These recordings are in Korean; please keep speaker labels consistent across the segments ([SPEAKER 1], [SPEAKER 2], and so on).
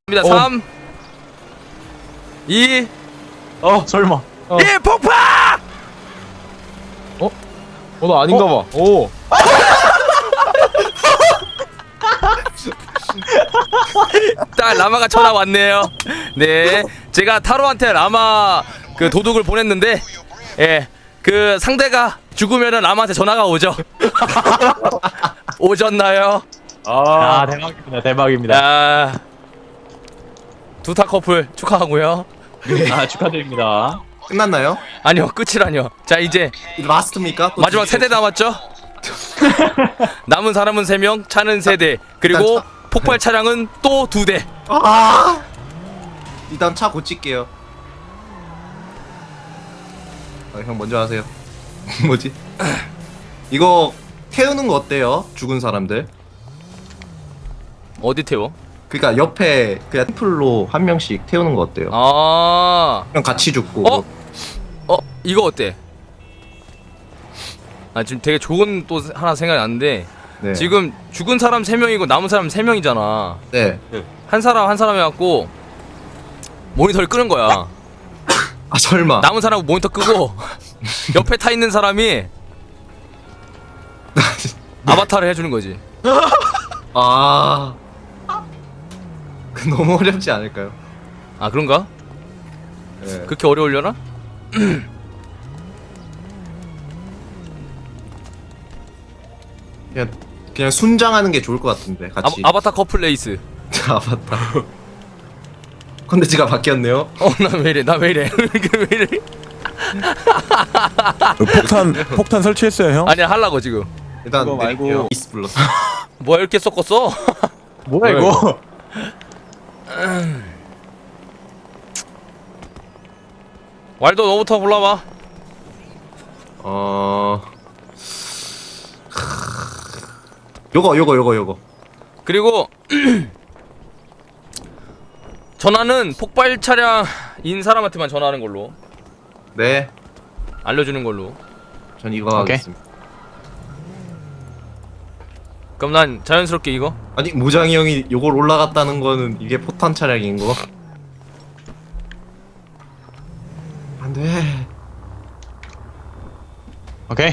[SPEAKER 1] 3 2
[SPEAKER 2] 설마.
[SPEAKER 1] 1 폭파!
[SPEAKER 2] 나 아닌가 봐. 오.
[SPEAKER 1] 딱 라마가 전화 왔네요. 네, 제가 타로한테 라마 그 도둑을 보냈는데, 예, 그 상대가 죽으면은 라마한테 전화가 오죠. 오셨나요?
[SPEAKER 2] 대박입니다. 대박입니다.
[SPEAKER 1] 아, 두타 커플 축하하고요.
[SPEAKER 2] 축하드립니다.
[SPEAKER 3] 끝났나요?
[SPEAKER 1] 아니요, 끝이라뇨. 자, 이제
[SPEAKER 3] 라스트입니까? 또
[SPEAKER 1] 마지막
[SPEAKER 3] 두 개?
[SPEAKER 1] 세대 남았죠? 남은 사람은 3명, 차는 3대, 그리고
[SPEAKER 3] 일단
[SPEAKER 1] 폭발 차량은 또 2대.
[SPEAKER 3] 아! 일단 차 고칠게요. 형 먼저 하세요. 뭐지? 이거 태우는 거 어때요? 죽은 사람들.
[SPEAKER 1] 어디 태워?
[SPEAKER 3] 그러니까 옆에 그냥 템플로 한 명씩 태우는 거 어때요?
[SPEAKER 1] 아,
[SPEAKER 3] 형 같이 죽고.
[SPEAKER 1] 이거 어때? 아, 지금 되게 좋은 또 하나 생각이 났는데,
[SPEAKER 3] 네.
[SPEAKER 1] 지금 죽은 사람 3명이고 남은 사람 3명이잖아.
[SPEAKER 3] 네.
[SPEAKER 1] 한 사람 해갖고 모니터를 끄는 거야.
[SPEAKER 3] 아 설마.
[SPEAKER 1] 남은 사람은 모니터 끄고 옆에 타 있는 사람이 아바타를 해주는 거지.
[SPEAKER 3] 아. 그 너무 어렵지 않을까요?
[SPEAKER 1] 아, 그런가?
[SPEAKER 3] 네.
[SPEAKER 1] 그렇게 어려울려나?
[SPEAKER 3] 그냥 순장하는 게 좋을 것 같은데 같이.
[SPEAKER 1] 아바타 커플 레이스.
[SPEAKER 3] 아바타. 컨텐츠가 바뀌었네요.
[SPEAKER 1] 나 왜 이래? 나 왜 이래? 왜 이래?
[SPEAKER 4] 폭탄 설치했어요 형?
[SPEAKER 1] 아니야, 하려고 지금.
[SPEAKER 3] 일단
[SPEAKER 4] 그거 말고-
[SPEAKER 3] 내릴게요. 이스 불렀어.
[SPEAKER 1] 뭐야, 이렇게 섞었어?
[SPEAKER 4] 뭐야 이거?
[SPEAKER 1] 왈도 너부터 골라봐.
[SPEAKER 3] 요거.
[SPEAKER 1] 그리고 전화는 폭발 차량인 사람한테만 전화하는 걸로
[SPEAKER 3] 네.
[SPEAKER 1] 알려주는 걸로.
[SPEAKER 3] 전 이거
[SPEAKER 2] 오케이.
[SPEAKER 3] 하겠습니다.
[SPEAKER 1] 그럼 난 자연스럽게 이거.
[SPEAKER 3] 아니 모장이 형이 요걸 올라갔다는 거는 이게 포탄 차량인 거. 안 돼.
[SPEAKER 2] 오케이.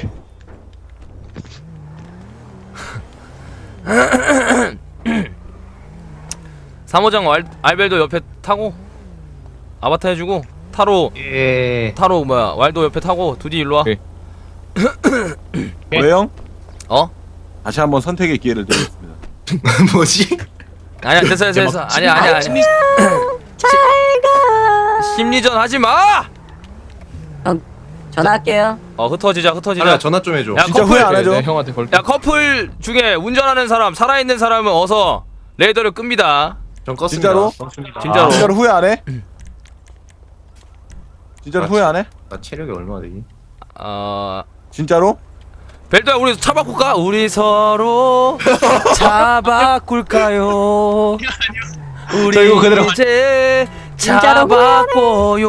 [SPEAKER 1] 사모장 알벨도 옆에 타고 아바타 해주고 타로 뭐야 왈도 옆에 타고 두디 일로 와.
[SPEAKER 4] 오케이. 왜 형?
[SPEAKER 1] 어?
[SPEAKER 4] 다시 한번 선택의 기회를 드리겠습니다.
[SPEAKER 3] 뭐지?
[SPEAKER 1] 아니야, 됐어. 아니야. 심리전 하지 마.
[SPEAKER 5] 전화할게요.
[SPEAKER 1] 흩어지자.
[SPEAKER 3] 하나 전화 좀 해줘.
[SPEAKER 1] 야,
[SPEAKER 4] 진짜
[SPEAKER 1] 커플.
[SPEAKER 4] 후회 안 하죠?
[SPEAKER 2] 네, 형한테 걸게.
[SPEAKER 1] 야, 커플 중에 운전하는 사람, 살아있는 사람은 어서 레이더를 끕니다.
[SPEAKER 3] 전 껐습니다.
[SPEAKER 4] 진짜로?
[SPEAKER 1] 진짜로.
[SPEAKER 4] 진짜로 후회 안 해? 진짜로 후회 안 해?
[SPEAKER 3] 나 체력이 얼마나 되니?
[SPEAKER 4] 진짜로?
[SPEAKER 1] 벨도야, 우리 차 바꿀까? 우리 서로 차 바꿀까요? 우리
[SPEAKER 2] 이거 그대로.
[SPEAKER 1] 이제 차
[SPEAKER 5] 진짜로
[SPEAKER 1] 바꿔요.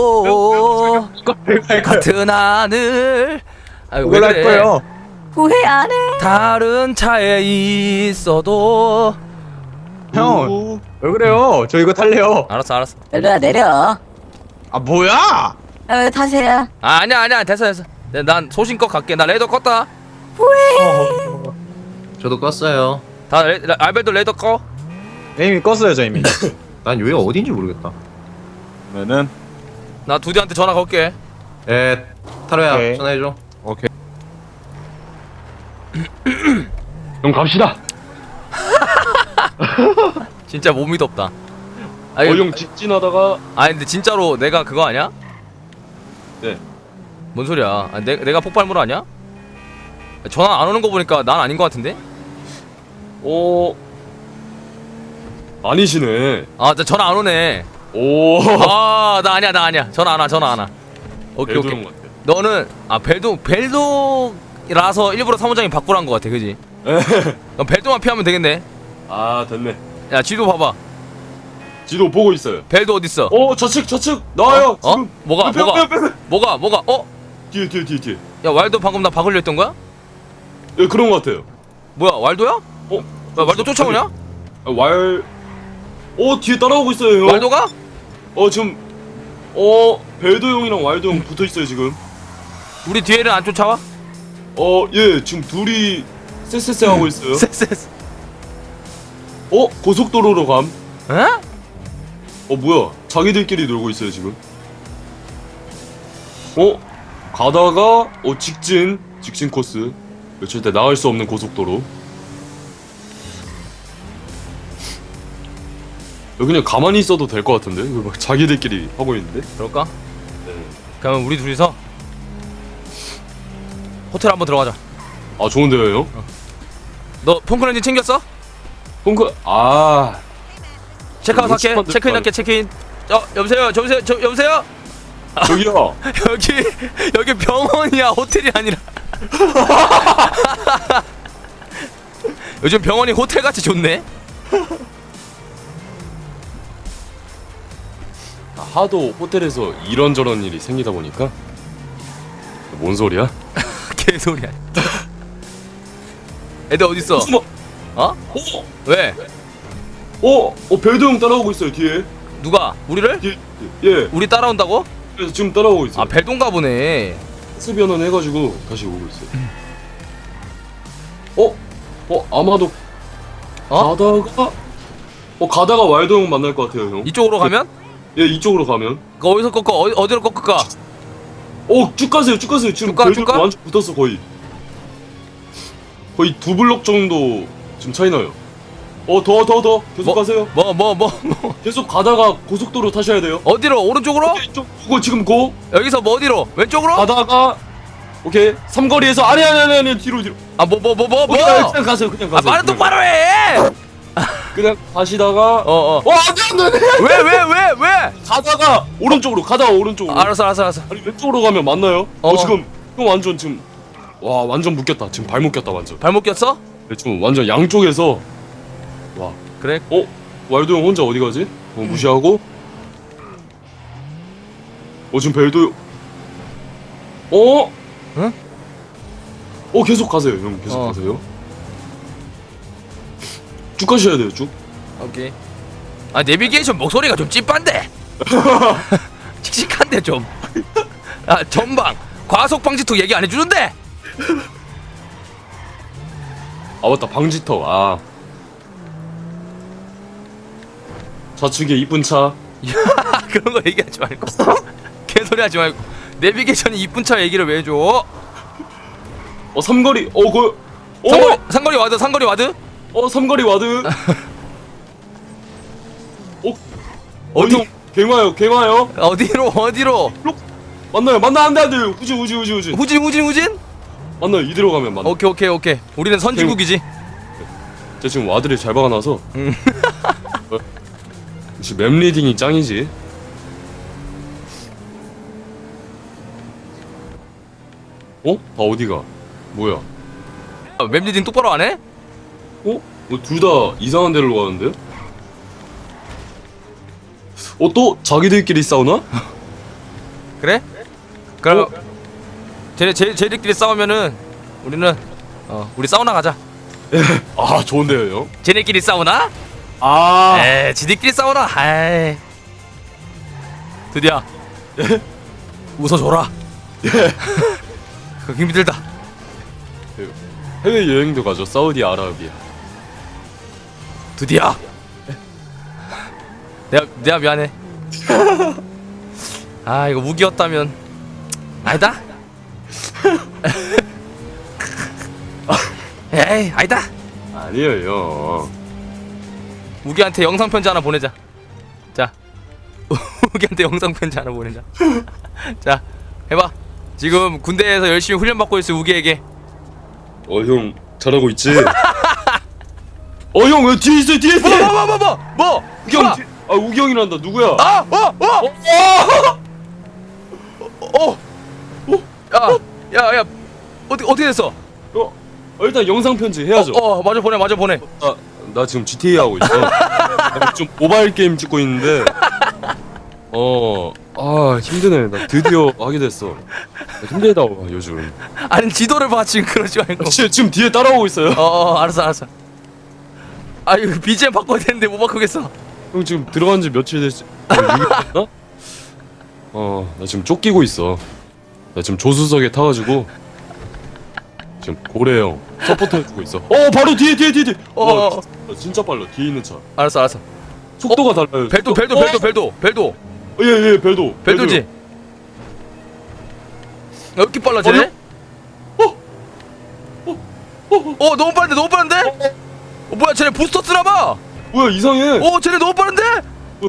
[SPEAKER 1] 같은 하늘. 아유, 왜
[SPEAKER 4] 그걸 할
[SPEAKER 1] 그래?
[SPEAKER 4] 거예요.
[SPEAKER 5] 후회 안 해.
[SPEAKER 1] 다른 차에 있어도.
[SPEAKER 2] 형, 왜 그래요? 저 이거 탈래요.
[SPEAKER 1] 알았어.
[SPEAKER 5] 별로야 내려.
[SPEAKER 2] 아, 뭐야?
[SPEAKER 5] 타세요.
[SPEAKER 1] 아니야. 됐어. 난 소신껏 갈게. 나 레이더 껐다.
[SPEAKER 3] 저도 껐어요.
[SPEAKER 1] 알벨도 레이더 꺼.
[SPEAKER 2] 이미 껐어요, 저 이미.
[SPEAKER 3] 난 여기가 어딘지 모르겠다.
[SPEAKER 4] 그러면은
[SPEAKER 1] 나 두디한테 전화 걸게.
[SPEAKER 3] 에 타로야
[SPEAKER 2] 오케이.
[SPEAKER 3] 전화해줘.
[SPEAKER 4] 오케이.
[SPEAKER 6] 형 갑시다.
[SPEAKER 1] 진짜 못 믿었다.
[SPEAKER 6] 형 직진하다가
[SPEAKER 1] 아니 근데 진짜로 내가 그거 아니야?
[SPEAKER 6] 네.
[SPEAKER 1] 뭔 소리야? 아, 내가 폭발물 아니야? 전화 안 오는 거 보니까 난 아닌 거 같은데?
[SPEAKER 6] 아니시네.
[SPEAKER 1] 아, 나 전화 안 오네.
[SPEAKER 6] 오.
[SPEAKER 1] 아, 나 아니야. 전화 안 와. 오케이.
[SPEAKER 6] 것 같아.
[SPEAKER 1] 너는 벨도라서 일부러 사무장이 바꾸란 거 같아, 그지? 그럼 벨도만 피하면 되겠네.
[SPEAKER 6] 아 됐네.
[SPEAKER 1] 야, 지도 봐봐.
[SPEAKER 6] 지도 보고 있어요.
[SPEAKER 1] 벨도 어딨어?
[SPEAKER 6] 저측 나와요.
[SPEAKER 1] 어?
[SPEAKER 6] 지금.
[SPEAKER 1] 뭐가? 뭐가?
[SPEAKER 6] 뒤에.
[SPEAKER 1] 야, 왈도 방금 나 박으려 했던 거야?
[SPEAKER 6] 예, 그런 것 같아요.
[SPEAKER 1] 뭐야, 왈도야? 야, 왈도 쫓아오냐?
[SPEAKER 6] 왈 뒤에 따라오고 있어요 형.
[SPEAKER 1] 왈도가?
[SPEAKER 6] 지금 벨도 형이랑 왈도 형 붙어 있어요 지금.
[SPEAKER 1] 우리 뒤에는 안 쫓아와?
[SPEAKER 6] 예 지금 둘이 쎄쎄쎄 하고 있어요.
[SPEAKER 1] 쎄쎄.
[SPEAKER 6] 고속도로로 감.
[SPEAKER 1] 어?
[SPEAKER 6] 뭐야 자기들끼리 놀고 있어요 지금. 가다가 직진 코스. 절대 나갈 수 없는 고속도로. 그냥 가만히 있어도 될 것 같은데? 이거 막 자기들끼리 하고 있는데?
[SPEAKER 1] 그럴까?
[SPEAKER 6] 네.
[SPEAKER 1] 그러면 우리 둘이서 호텔 한번 들어가자.
[SPEAKER 6] 좋은데요 형?
[SPEAKER 1] 너 폰크렌즈 챙겼어?
[SPEAKER 6] 펑크
[SPEAKER 1] 체크아웃 할게.
[SPEAKER 6] 시간대
[SPEAKER 1] 체크인 할게. 체크인. 여보세요. 여보세요.
[SPEAKER 6] 저기요.
[SPEAKER 1] 여기 병원이야. 호텔이 아니라. 요즘 병원이 호텔 같이 좋네.
[SPEAKER 6] 하도 호텔에서 이런저런 일이 생기다 보니까. 뭔 소리야?
[SPEAKER 1] 개소리야. 애들 어디 있어?
[SPEAKER 6] 숨어.
[SPEAKER 1] 어? 왜?
[SPEAKER 6] 벨도 형 따라오고 있어요 뒤에.
[SPEAKER 1] 누가? 우리를?
[SPEAKER 6] 예.
[SPEAKER 1] 우리 따라온다고?
[SPEAKER 6] 그래서 지금 따라오고 있어요.
[SPEAKER 1] 아 벨동가 보네.
[SPEAKER 6] 스 변환 해가지고 다시 오고 있어요. 아마도 가다가 왈도 형 만날 것 같아요 형.
[SPEAKER 1] 이쪽으로 가면?
[SPEAKER 6] 예 이쪽으로 가면.
[SPEAKER 1] 어디서 꺾어? 어디로 꺾을까?
[SPEAKER 6] 쭉 가세요. 지금
[SPEAKER 1] 쭉 가,
[SPEAKER 6] 벨도
[SPEAKER 1] 쭉 가?
[SPEAKER 6] 완전 붙었어 거의. 거의 2블럭 정도 지금 차이 나요. 더 계속 가세요.
[SPEAKER 1] 뭐
[SPEAKER 6] 계속 가다가 고속도로 타셔야 돼요.
[SPEAKER 1] 어디로? 오른쪽으로?
[SPEAKER 6] 이쪽 그거 지금 고
[SPEAKER 1] 여기서 뭐 어디로? 왼쪽으로?
[SPEAKER 6] 가다가 오케이 삼거리에서 아니 뒤로.
[SPEAKER 1] 아 뭐
[SPEAKER 6] 그냥 가세요.
[SPEAKER 1] 아 말은 똑바로 해!
[SPEAKER 6] 그냥 가시다가 안돼
[SPEAKER 1] 왜?
[SPEAKER 6] 가다가 오른쪽으로
[SPEAKER 1] 알았어
[SPEAKER 6] 아니 왼쪽으로 가면 맞나요? 지금 형 완전 지금 완전 묶였다. 지금 발 묶였다 완전.
[SPEAKER 1] 발목 꼈어?
[SPEAKER 6] 네, 지금 완전 양쪽에서
[SPEAKER 1] 그래?
[SPEAKER 6] 왈도 형 혼자 어디 가지? 무시하고 지금 벨도
[SPEAKER 1] 응?
[SPEAKER 6] 계속 가세요 형 계속 가세요. 쭉 가셔야 돼요 쭉.
[SPEAKER 1] 오케이. 아 내비게이션 목소리가 좀 찐빤데. 칙칙한데 좀. 아 전방 과속 방지턱 얘기 안 해주는데.
[SPEAKER 6] 맞다 방지턱. 좌측에 이쁜 차.
[SPEAKER 1] 그런 거 얘기하지 말고. 개소리 하지 말고. 내비게이션이 이쁜 차 얘기를 왜 해줘?
[SPEAKER 6] 삼거리
[SPEAKER 1] 상거리 와드.
[SPEAKER 6] 삼거리 와드.
[SPEAKER 1] 어디?
[SPEAKER 6] 형 갱화요.
[SPEAKER 1] 어디로?
[SPEAKER 6] 맞나요? 안돼 후진.
[SPEAKER 1] 후진?
[SPEAKER 6] 맞나요? 이대로 가면 맞나?
[SPEAKER 1] 오케이. 우리는 선진국이지.
[SPEAKER 6] 제가 지금 와드를 잘 박아놔서. 역시 맵 리딩이 짱이지. 어디가? 뭐야?
[SPEAKER 1] 맵 리딩 똑바로 안 해?
[SPEAKER 6] 둘 다 이상한 데로 가는데요? 또 자기들끼리 싸우나?
[SPEAKER 1] 그래? 그럼 쟤들끼리 싸우면은 우리는 우리 사우나 가자.
[SPEAKER 6] 좋은데요, 형?
[SPEAKER 1] 쟤네끼리 싸우나? 지들끼리 싸우나? 드디어 웃어줘라. 그거 힘들다.
[SPEAKER 6] 해외 여행도 가죠. 사우디아라비아.
[SPEAKER 1] 드디어. 내가 미안해. 이거 우기였다면 아니다. 에이 아니다.
[SPEAKER 6] 아니에요, 형.
[SPEAKER 1] 우기한테 영상 편지 하나 보내자. 자, 우기한테 영상 편지 하나 보내자. 자, 해봐. 지금 군대에서 열심히 훈련 받고 있을 우기에게.
[SPEAKER 6] 형 잘하고 있지? 형 왜 뒤에 있어요? 뒤에 있어.
[SPEAKER 1] 뭐?
[SPEAKER 6] 우기 형. 우기 형이란다. 누구야?
[SPEAKER 1] 야, 어떻게 됐어?
[SPEAKER 6] 일단 영상 편지 해야죠.
[SPEAKER 1] 마저 보내.
[SPEAKER 6] 나 지금 GTA 하고 있어. 좀 모바일 게임 찍고 있는데. 힘드네. 나 드디어 하게 됐어. 힘들다 요즘.
[SPEAKER 1] 아니 지도를 봐 지금 그러지 말고.
[SPEAKER 6] 지금 뒤에 따라오고 있어요.
[SPEAKER 1] 알았어. 이거 BGM 바꿔야 되는데 못 바꾸겠어.
[SPEAKER 6] 형 지금 들어간 지 며칠 됐지? 6일 됐나? 나 지금 쫓기고 있어. 나 지금 조수석에 타가지고 지금 고래 형 서포트 해주고 있어. 바로 뒤에. 와, 진짜 빨라. 뒤에 있는 차.
[SPEAKER 1] 알았어.
[SPEAKER 6] 속도가 달라요.
[SPEAKER 1] 벨도.
[SPEAKER 6] 예, 벨도.
[SPEAKER 1] 벨도지. 왜 이렇게 빨라 쟤네? 너무 빠른데? 뭐야 쟤네 부스터 쓰나봐.
[SPEAKER 6] 뭐야 이상해.
[SPEAKER 1] 쟤네 너무 빠른데? 왜?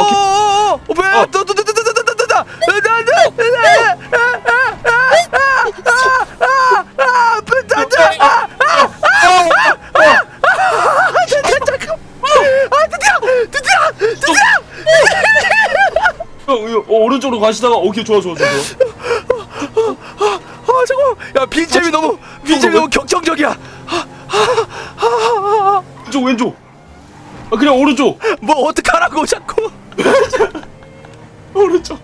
[SPEAKER 6] 형, 오른쪽으로 가시다가 오케이 좋아.
[SPEAKER 1] 잠깐. 야 BGM이 너무 격정적이야.
[SPEAKER 6] 왼쪽. 그냥 오른쪽.
[SPEAKER 1] 뭐 어떡하라고 자꾸.
[SPEAKER 6] 오른쪽.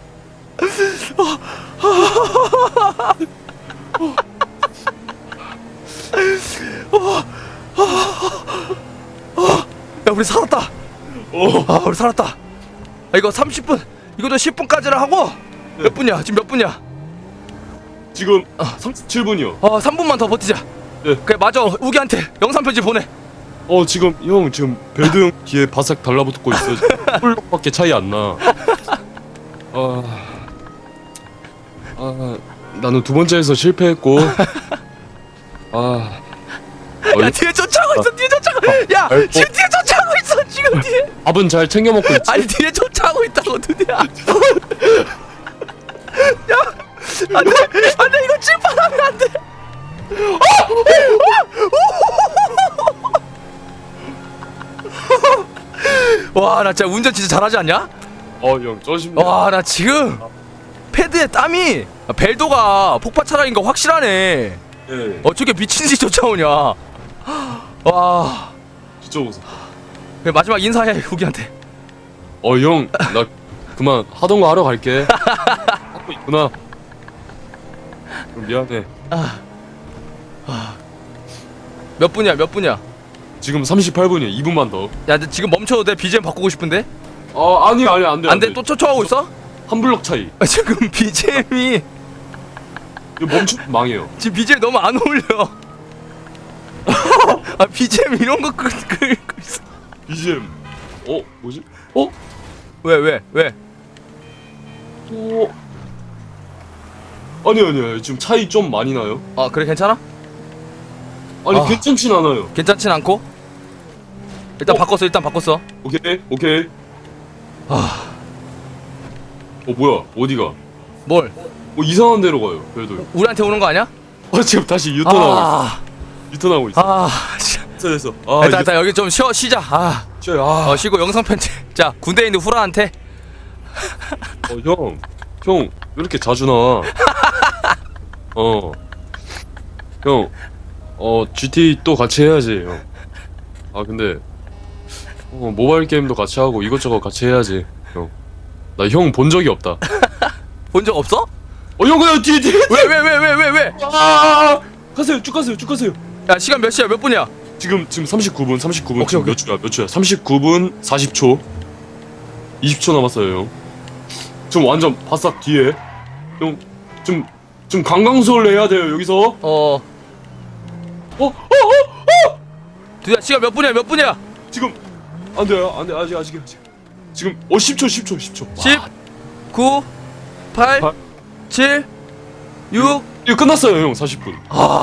[SPEAKER 1] 야 우리 살았다. 우리 살았다. 이거 30분. 이것도 10분까지라 하고.
[SPEAKER 6] 네.
[SPEAKER 1] 몇 분이야? 지금 몇 분이야?
[SPEAKER 6] 지금 37분이요.
[SPEAKER 1] 3분만 더 버티자.
[SPEAKER 6] 네.
[SPEAKER 1] 그래 맞아. 우기한테 영상 편지 보내.
[SPEAKER 6] 지금 벨드 형 뒤에 바싹 달라붙고 있어. 홀밖에 차이 안 나. 나는 두 번째에서 실패했고.
[SPEAKER 1] 야 뒤에 쫓아오고 있어. 야 지금 뒤에 쫓아오고 있어. 지금 뒤에.
[SPEAKER 6] 밥은 잘 챙겨 먹고 있지.
[SPEAKER 1] 아니 뒤에 쫓아오고 있다고 드디어. 야 안돼 이거 칠판하면 안돼. 와 나 진짜 운전 진짜 잘하지 않냐?
[SPEAKER 6] 형 쩌십니다.
[SPEAKER 1] 와 나 지금 패드에 땀이 벨도가 폭파 차량인 거 확실하네.
[SPEAKER 6] 예.
[SPEAKER 1] 어떻게 미친듯이 쫓아오냐. 와
[SPEAKER 6] 진짜 무서워.
[SPEAKER 1] 그래, 마지막 인사해 후기한테.
[SPEAKER 6] 형 나 그만 하던 거 하러 갈게. 하고 있구나. 그럼 미안해.
[SPEAKER 1] 몇 분이야?
[SPEAKER 6] 지금 38분이야. 2분만 더.
[SPEAKER 1] 야 근데 지금 멈춰도 돼? BGM 바꾸고 싶은데?
[SPEAKER 6] 아니 안 돼.
[SPEAKER 1] 안돼 또 쫓아오고 있어?
[SPEAKER 6] 한 블럭 차이.
[SPEAKER 1] 지금 BGM이
[SPEAKER 6] 이거 멈추면 망해요.
[SPEAKER 1] 지금 BGM 너무 안 어울려. BGM 이런 거 끌고 있어.
[SPEAKER 6] BGM. 뭐지?
[SPEAKER 1] 왜?
[SPEAKER 6] 아니야. 지금 차이 좀 많이 나요.
[SPEAKER 1] 그래 괜찮아?
[SPEAKER 6] 아니 괜찮진 않아요.
[SPEAKER 1] 괜찮진 않고? 일단 바꿨어.
[SPEAKER 6] 오케이. 뭐야? 어디가?
[SPEAKER 1] 뭘?
[SPEAKER 6] 이상한 데로 가요. 그래도.
[SPEAKER 1] 우리한테 오는 거 아니야?
[SPEAKER 6] 지금 다시 유턴하고 있어.
[SPEAKER 1] 진짜.
[SPEAKER 6] 됐어.
[SPEAKER 1] 일단 여기 좀 쉬자. 쉬고 영상 편집. 자 군대에 있는 후라한테.
[SPEAKER 6] 형, 왜 이렇게 자주 나와? 형, GT 또 같이 해야지, 형. 근데, 모바일 게임도 같이 하고 이것저것 같이 해야지, 형. 나 형 본 적이 없다.
[SPEAKER 1] 본 적 없어?
[SPEAKER 6] 형, 그냥 뒤에.
[SPEAKER 1] 왜?
[SPEAKER 6] 가세요, 쭉 가세요.
[SPEAKER 1] 야 시간 몇 시야? 몇 분이야?
[SPEAKER 6] 지금 39분.
[SPEAKER 1] 오케이,
[SPEAKER 6] 지금
[SPEAKER 1] 오케이.
[SPEAKER 6] 몇 초야? 39분 40초. 20초 남았어요, 형. 지금 완전 바싹 뒤에. 형, 좀 강강수를 해야 돼요, 여기서.
[SPEAKER 1] 두야 시간 몇 분이야?
[SPEAKER 6] 지금 안 돼요. 아직. 지금 10초.
[SPEAKER 1] 10 9 8 7 6
[SPEAKER 6] 이거 끝났어요, 형. 40분.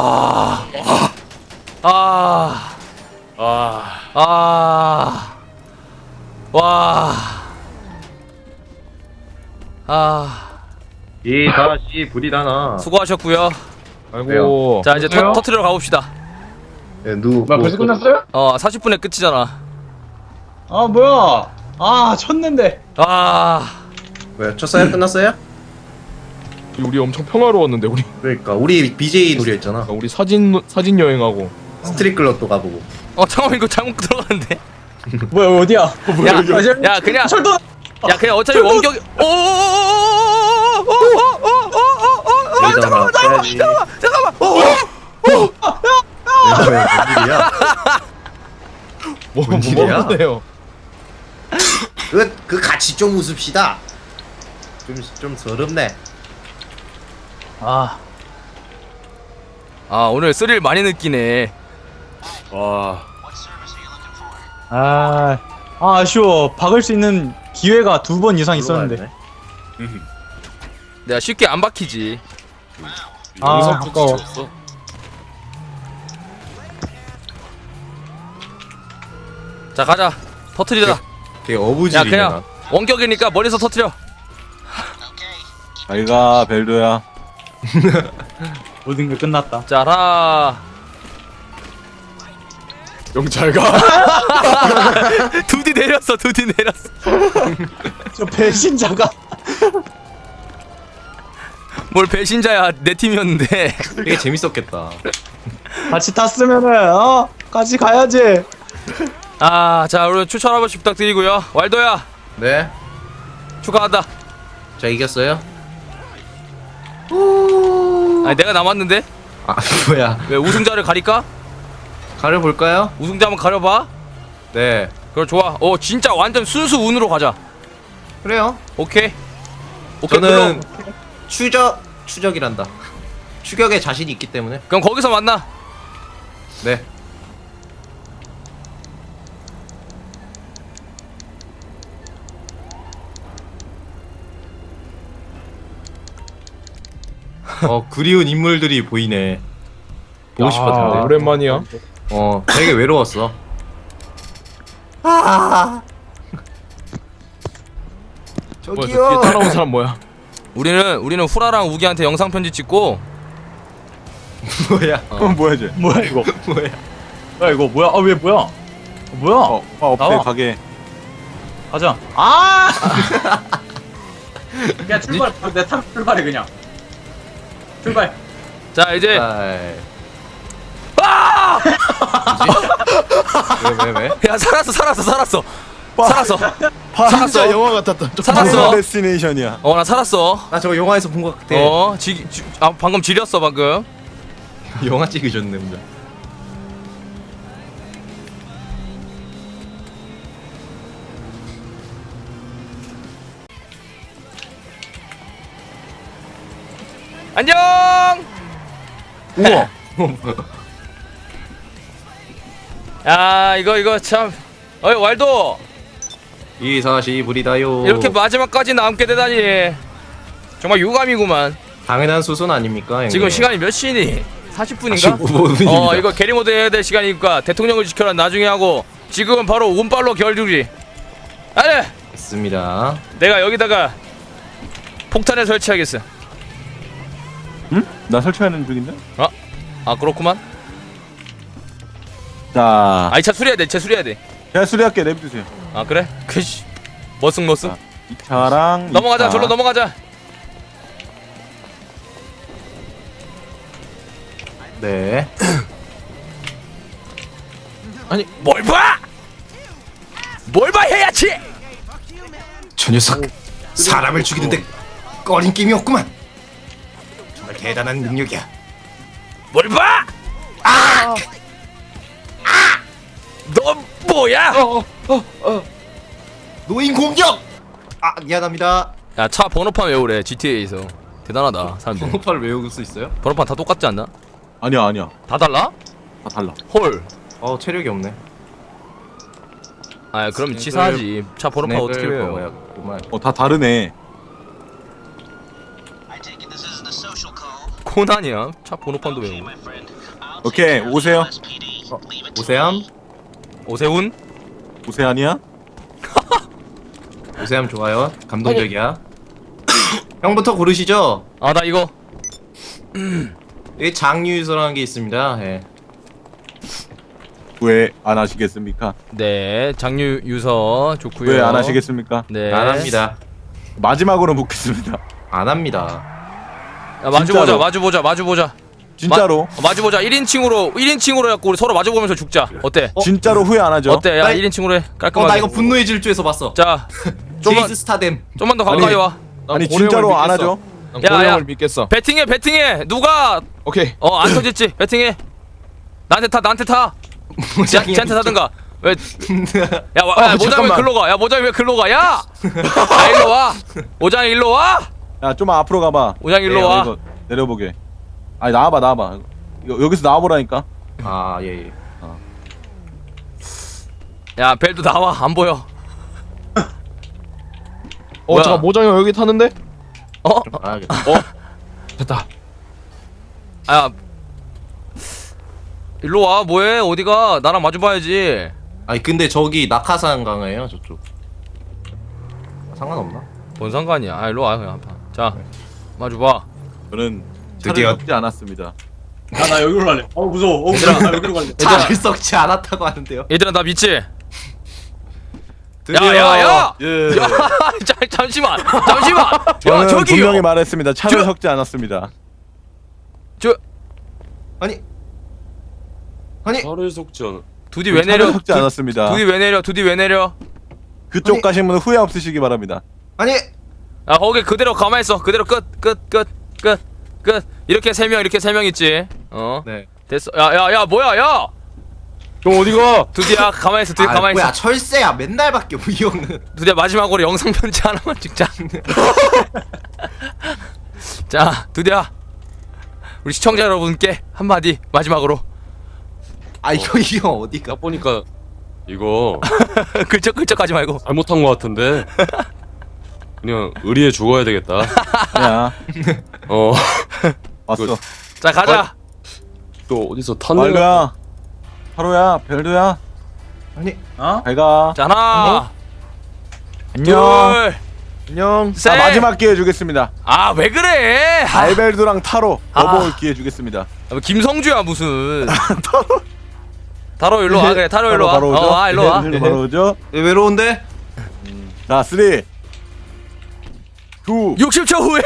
[SPEAKER 2] 이 다시 불이라나.
[SPEAKER 1] 수고하셨고요.
[SPEAKER 2] 아이고.
[SPEAKER 1] 자 이제 터트리러 가봅시다.
[SPEAKER 2] 벌써 끝났어요?
[SPEAKER 1] 40분에 끝이잖아.
[SPEAKER 2] 뭐야? 쳤는데.
[SPEAKER 3] 왜 쳤어요? 끝났어요?
[SPEAKER 4] 우리 엄청 평화로웠는데 우리
[SPEAKER 3] 그러니까 우리 BJ 놀이했잖아.
[SPEAKER 4] 우리 사진 여행하고
[SPEAKER 3] 스트릿 클럽도 가보고.
[SPEAKER 1] 잠깐만 이거 잘못 들어갔는데.
[SPEAKER 2] 뭐야 어디야?
[SPEAKER 1] 야 그냥
[SPEAKER 2] 철도.
[SPEAKER 1] 야 그냥 어차피 원격이
[SPEAKER 3] 잠깐만.
[SPEAKER 1] 잠깐만
[SPEAKER 3] 뭔 일이야?
[SPEAKER 4] 뭔
[SPEAKER 3] 일이야?
[SPEAKER 4] 일이야?
[SPEAKER 3] 그 같이 좀 웃읍시다. 좀 서럽네.
[SPEAKER 2] 아,
[SPEAKER 1] 오늘 스릴 많이 느끼네.
[SPEAKER 6] 와.
[SPEAKER 2] 아쉬워. 박을 수 있는 기회가 2번 이상 있었는데.
[SPEAKER 1] 내가 쉽게 안 박히지.
[SPEAKER 6] 영상
[SPEAKER 2] 아까워.
[SPEAKER 6] 편지 줬어.
[SPEAKER 1] 자 가자. 터트리자.
[SPEAKER 3] 되게
[SPEAKER 1] 야
[SPEAKER 3] 어부질이네.
[SPEAKER 1] 그냥 원격이니까 멀리서 터트려.
[SPEAKER 7] 잘가 벨도야.
[SPEAKER 2] 모든 게 끝났다.
[SPEAKER 1] 자 하나.
[SPEAKER 4] 영잘 가.
[SPEAKER 1] 두디 내렸어.
[SPEAKER 2] 저 배신자가.
[SPEAKER 1] 뭘 배신자야. 내 팀이었는데.
[SPEAKER 3] 되게 재밌었겠다.
[SPEAKER 2] 같이 탔으면은 같이 가야지.
[SPEAKER 1] 자 우리 추천 한 번씩 부탁드리고요. 왈도야
[SPEAKER 3] 네.
[SPEAKER 1] 축하한다.
[SPEAKER 3] 자 이겼어요.
[SPEAKER 1] 아니 내가 남았는데
[SPEAKER 3] 아 뭐야?
[SPEAKER 1] 왜 우승자를 가릴까?
[SPEAKER 3] 가려 볼까요?
[SPEAKER 1] 우승자 한번 가려봐.
[SPEAKER 3] 네.
[SPEAKER 1] 그래 좋아. 진짜 완전 순수 운으로 가자.
[SPEAKER 3] 그래요.
[SPEAKER 1] 오케이.
[SPEAKER 3] 저는 추적이란다. 추격에 자신이 있기 때문에.
[SPEAKER 1] 그럼 거기서 만나.
[SPEAKER 3] 네. 그리운 인물들이 보이네. 보고 싶었는데.
[SPEAKER 4] 오랜만이야.
[SPEAKER 3] 되게 외로웠어.
[SPEAKER 4] 뭐야, 저 뒤에 따라온 사람 뭐야?
[SPEAKER 1] 우리는 후라랑 우기한테 영상 편지 찍고
[SPEAKER 3] 뭐야?
[SPEAKER 7] 뭐야 쟤?
[SPEAKER 2] 뭐야 이거?
[SPEAKER 3] 뭐야?
[SPEAKER 2] 뭐야 이거? 뭐야? 왜 뭐야? 뭐야?
[SPEAKER 7] 없애
[SPEAKER 2] 나와.
[SPEAKER 7] 가게.
[SPEAKER 2] 가자. 야 출발. 내 탑 출발해 그냥. 출발.
[SPEAKER 1] 자 이제
[SPEAKER 3] 왜?
[SPEAKER 1] 야 살았어. 살았어.
[SPEAKER 7] 진짜 영화 같았다.
[SPEAKER 1] 살았어.
[SPEAKER 7] 데스티네이션이야.
[SPEAKER 1] 나 살았어.
[SPEAKER 3] 나 저거 영화에서 본 것 같아.
[SPEAKER 1] 방금 지렸어 방금.
[SPEAKER 3] 영화 찍으셨네, 혼자.
[SPEAKER 1] 안녕.
[SPEAKER 3] 우와.
[SPEAKER 1] 이거 참. 왈도
[SPEAKER 3] 이 사시 불이다요.
[SPEAKER 1] 이렇게 마지막까지 남게 되다니 정말 유감이구만.
[SPEAKER 3] 당연한 수순 아닙니까? 형님?
[SPEAKER 1] 지금 시간이 몇 시니? 40분인가?
[SPEAKER 3] 45분입니다.
[SPEAKER 1] 이거 게리모드 해야 될 시간이니까 대통령을 지켜라 나중에 하고 지금은 바로 운빨로 결주리. 아니
[SPEAKER 3] 있습니다.
[SPEAKER 1] 내가 여기다가 폭탄을 설치하겠어.
[SPEAKER 7] 응? 나 설치하는 중인데.
[SPEAKER 1] 그렇구만.
[SPEAKER 7] 자,
[SPEAKER 1] 이 차 수리해야 돼. 차 수리해야 돼.
[SPEAKER 7] 제가 수리할게. 내비두세요.
[SPEAKER 1] 그래? 그씨 머쓱
[SPEAKER 7] 이 차랑
[SPEAKER 1] 넘어가자.
[SPEAKER 7] 이 차.
[SPEAKER 1] 절로 넘어가자.
[SPEAKER 3] 네.
[SPEAKER 1] 아니 뭘 봐? 뭘 봐 해야지.
[SPEAKER 3] 저 녀석 사람을 죽이는데 꺼림낌이 없구만. 정말 대단한 능력이야.
[SPEAKER 1] 뭘 봐? 너 뭐야?
[SPEAKER 3] 노인 공격. 미안합니다.
[SPEAKER 1] 야 차 번호판 외우래. GTA에서 대단하다 사람들.
[SPEAKER 3] 번호판을 외울 수 있어요?
[SPEAKER 1] 번호판 다 똑같지 않나?
[SPEAKER 7] 아니야.
[SPEAKER 1] 다 달라?
[SPEAKER 7] 다 달라.
[SPEAKER 1] 헐.
[SPEAKER 3] 체력이 없네.
[SPEAKER 1] 그럼 치사하지. 차 번호판 어떻게 외워?
[SPEAKER 7] 다 다르네.
[SPEAKER 1] 코난이야. 차 번호판도 외우고.
[SPEAKER 7] 오케이, 오세요.
[SPEAKER 3] 오세암?
[SPEAKER 1] 오세훈?
[SPEAKER 7] 오세안이야?
[SPEAKER 3] 오세암 좋아요. 감동적이야. 형부터 고르시죠.
[SPEAKER 1] 나 이거.
[SPEAKER 3] 여기 장유유서라는 게 있습니다. 예.
[SPEAKER 7] 왜 안 하시겠습니까?
[SPEAKER 1] 네, 장유 유서 좋고요.
[SPEAKER 7] 왜 안 하시겠습니까?
[SPEAKER 1] 네.
[SPEAKER 3] 안 합니다.
[SPEAKER 7] 마지막으로 묻겠습니다.
[SPEAKER 3] 안 합니다.
[SPEAKER 1] 야, 마주
[SPEAKER 7] 진짜로.
[SPEAKER 1] 보자.
[SPEAKER 7] 진짜로?
[SPEAKER 1] 마주 보자. 1인칭으로 해갖고 우리 서로 마주 보면서 죽자. 어때?
[SPEAKER 7] 진짜로 후회 안 하죠?
[SPEAKER 1] 어때? 야,
[SPEAKER 3] 나
[SPEAKER 1] 1인칭으로 해. 깔끔하게.
[SPEAKER 3] 나 이거 분노의 질주에서 봤어.
[SPEAKER 1] 자,
[SPEAKER 3] 제이스 스타뎀.
[SPEAKER 1] 좀만 더 가까이 와.
[SPEAKER 7] 아니 진짜로 안 하죠?
[SPEAKER 4] 난
[SPEAKER 1] 야,
[SPEAKER 4] 고래형을
[SPEAKER 1] 야.
[SPEAKER 4] 믿겠어.
[SPEAKER 1] 배팅해. 누가
[SPEAKER 4] 오케이.
[SPEAKER 1] 안 터질지 배팅해. 나한테 타. 쟤한테 타든가. 왜? 야, 모장이 왜
[SPEAKER 7] 잠깐만.
[SPEAKER 1] 글로 가? 야, 모장이 왜 글로 가? 야! 야, 일로 와. 모장이 일로 와.
[SPEAKER 7] 야 좀 앞으로 가봐.
[SPEAKER 1] 모장이 일로 와.
[SPEAKER 7] 이거 내려보게. 아니 나와봐. 여기서 나와보라니까.
[SPEAKER 3] 아 예예.
[SPEAKER 1] 야, 벨도 나와. 안 보여. 뭐야?
[SPEAKER 4] 잠깐 모장이 여기 타는데?
[SPEAKER 1] 어?
[SPEAKER 3] 알겠다.
[SPEAKER 4] 됐다.
[SPEAKER 1] 아, 일로 와. 뭐해? 어디가? 나랑 마주 봐야지.
[SPEAKER 3] 아니 근데 저기 낙하산 강화예요 저쪽. 상관없나?
[SPEAKER 1] 뭔 상관이야? 아, 일로 와. 그냥 한 판. 자, 마주 봐.
[SPEAKER 7] 저는
[SPEAKER 3] 드디어.
[SPEAKER 7] 차를 섞지 않았습니다.
[SPEAKER 2] 나 여기로 갈래. 무서워. 무서워. 나 여기로 갈래.
[SPEAKER 3] 차를 썩지 않았다고 하는데요.
[SPEAKER 1] 얘들아, 나 믿지?
[SPEAKER 3] 드디어.
[SPEAKER 1] 야!
[SPEAKER 7] 예.
[SPEAKER 1] 야, 잠시만. 야,
[SPEAKER 7] 저는
[SPEAKER 1] 저기요.
[SPEAKER 7] 분명히 말했습니다. 차를
[SPEAKER 1] 저-
[SPEAKER 7] 섞지 않았습니다.
[SPEAKER 3] 아니
[SPEAKER 6] 차를 속지 않아.
[SPEAKER 1] 두디 왜
[SPEAKER 7] 차를
[SPEAKER 1] 내려?
[SPEAKER 7] 섞지 않았습니다.
[SPEAKER 1] 두디 왜 내려? 두디 왜 내려?
[SPEAKER 7] 그쪽
[SPEAKER 3] 아니-
[SPEAKER 7] 가신 분은 후회 없으시기 바랍니다.
[SPEAKER 3] 아니
[SPEAKER 1] 아, 거기 그대로 가만히 있어. 그대로 끝. 이렇게 세 명 있지. 어.
[SPEAKER 3] 네.
[SPEAKER 1] 됐어. 야, 뭐야, 야.
[SPEAKER 4] 형 어디가?
[SPEAKER 1] 두디야, 가만히 있어. 두디 가만히
[SPEAKER 3] 뭐야
[SPEAKER 1] 있어.
[SPEAKER 3] 철새야 맨날 바뀌어 이 형은.
[SPEAKER 1] 두디야, 마지막으로 영상 편지 하나만 찍자. 자, 두디야. 우리 시청자 여러분께 한마디 마지막으로.
[SPEAKER 3] 아 이거 이 형 어디가?
[SPEAKER 6] 딱 보니까 이거
[SPEAKER 1] 끌적하지 말고.
[SPEAKER 6] 잘못한 것 같은데 그냥 의리에 죽어야 되겠다.
[SPEAKER 7] 야
[SPEAKER 6] 어,
[SPEAKER 7] 왔어.
[SPEAKER 1] 자, 가자.
[SPEAKER 6] 또 어디서 탄내가
[SPEAKER 7] 말로야, 하루야, 별도야,
[SPEAKER 3] 아니
[SPEAKER 7] 잘가.
[SPEAKER 1] 자, 하나,
[SPEAKER 7] 안녕.
[SPEAKER 1] 둘,
[SPEAKER 3] 안녕.
[SPEAKER 1] 셋.
[SPEAKER 7] 자, 마지막 기회 주겠습니다.
[SPEAKER 1] 아, 왜 그래? 아,
[SPEAKER 7] 알벨도랑 타로
[SPEAKER 1] 아.
[SPEAKER 7] 넘어올 기회 주겠습니다.
[SPEAKER 1] 김성주야 무슨? 타로 일로 와. 그래, 타로 일로 와.
[SPEAKER 7] 바로 오죠.
[SPEAKER 1] 일로 와.
[SPEAKER 7] 바로 오죠.
[SPEAKER 3] 외로운데?
[SPEAKER 7] 자, 3, 2,
[SPEAKER 1] 60초 후에.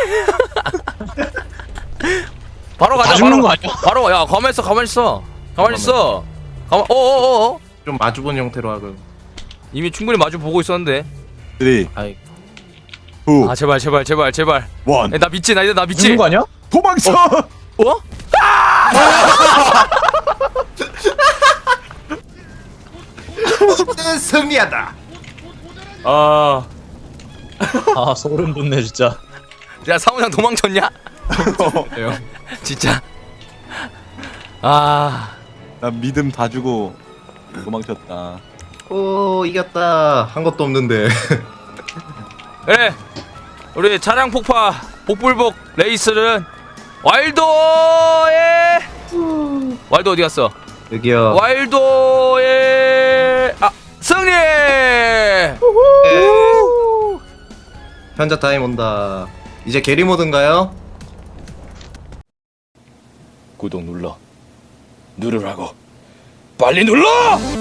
[SPEAKER 1] 바로 가자.
[SPEAKER 2] 다 죽는
[SPEAKER 1] 바로.
[SPEAKER 2] 거 아니야?
[SPEAKER 1] 바로 야, 가만히 있어. 가만히 있어. 어어어.
[SPEAKER 3] 좀 마주본 형태로 하고.
[SPEAKER 1] 이미 충분히 마주 보고 있었는데.
[SPEAKER 7] 3, 2,
[SPEAKER 3] 아이
[SPEAKER 7] 1.
[SPEAKER 1] 아, 제발. 야, 나 믿지. 나 믿지.
[SPEAKER 2] 죽는 거 아니야?
[SPEAKER 7] 도망쳐!
[SPEAKER 1] 어?
[SPEAKER 3] 승리하다.
[SPEAKER 6] 아,
[SPEAKER 2] 소름 돋네 진짜.
[SPEAKER 1] 야, 사무장 도망쳤냐? 진짜. 아,
[SPEAKER 7] 난 믿음 다 주고 도망쳤다.
[SPEAKER 3] 오 이겼다. 한 것도 없는데.
[SPEAKER 1] 그래. 우리 차량 폭파 복불복 레이스는 와일드 어디 갔어?
[SPEAKER 3] 여기요.
[SPEAKER 1] 와일드의 승리!
[SPEAKER 3] 현자 타임 온다. 이제 게리 모드인가요?
[SPEAKER 1] 구독 누르라고. 빨리 눌러!